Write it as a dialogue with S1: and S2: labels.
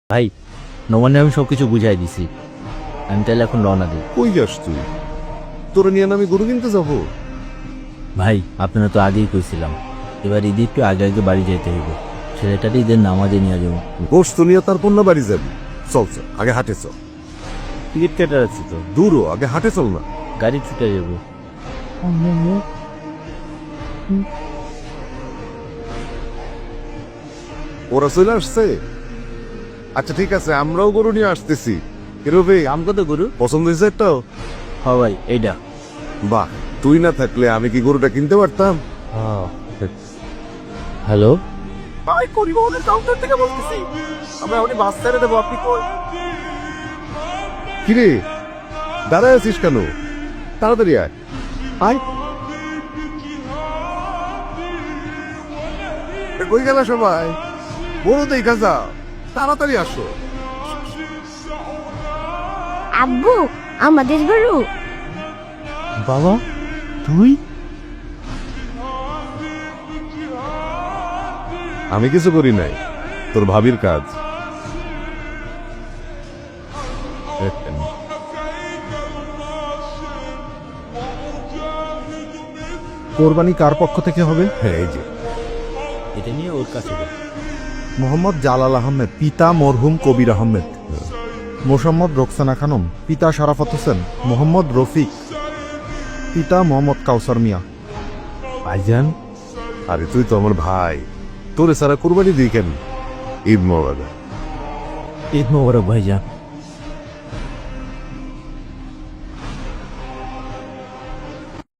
S1: ভাই, নবান্নে আমি সবকিছু বুঝাই দিছি। আমি তাহলে এখন রওনা দিই।
S2: কই যাস তুই? তোরা নিয়ে না আমি গরু কিনতে যাবো?
S1: ভাই, আপনারা তো আগেই কইছিলাম এবার ঈদ একটু আগে আগে বাড়ি যেতে হইব। ছেলেটাকে ঈদের নামাজে নিয়ে যাবো।
S2: গোস্ত নিয়ে তারপর না বাড়ি যাবি? চল চল, আগে হাটে চল।
S1: টিকিট কেটে আছি তো,
S2: দূরও, আগে হাটে চল না।
S1: গাড়ি ছুটে যাবো।
S2: ওরা চলে আসছে? আচ্ছা ঠিক আছে, আমরাও গরু নিয়ে আসতেছি। কিরবে
S1: আম কত গরু?
S2: পছন্দ হয়েছে একটাও?
S1: হ ভাই, এইটা।
S2: বাহ, তুই না থাকলে আমি কি গরুটা কিনতে পারতাম?
S1: হ্যালো,
S2: ভাই, পরিবহনের কাউন্টার থেকে বলতেছি। আমরা উনি বাস ছেড়ে দেবো, আপনি কই? কিরে, দাঁড়ায় আছিস কেন? তাড়াতাড়ি আয়। আয়। কই গেল সবাই? বড় দেখা যা, তাড়াতাড়ি আসো।
S3: আব্বু, আমাদের গরু।
S1: বাবা তুই?
S2: আমি কিছু করি নাই, তোর ভাবির কাজ।
S4: কোরবানি কার পক্ষ থেকে হবে?
S2: হ্যাঁ, এই যে
S1: এটা নিয়ে ওর কাছে যাও।
S4: মোহাম্মদ জালাল আহমেদ, পিতা মরহুম কবির আহমেদ। মোসাম্মদ রোকসানা খানম, পিতা শারাফত হোসেন। মোহাম্মদ রফিক, পিতা মোহাম্মদ কাউসার মিয়া।
S1: ভাইজান,
S2: আরে তুই তো আমার ভাই, তোরে সারা কুরবানি দিই কেন? ঈদ মোবারক।
S1: ঈদ মোবারক ভাইজান।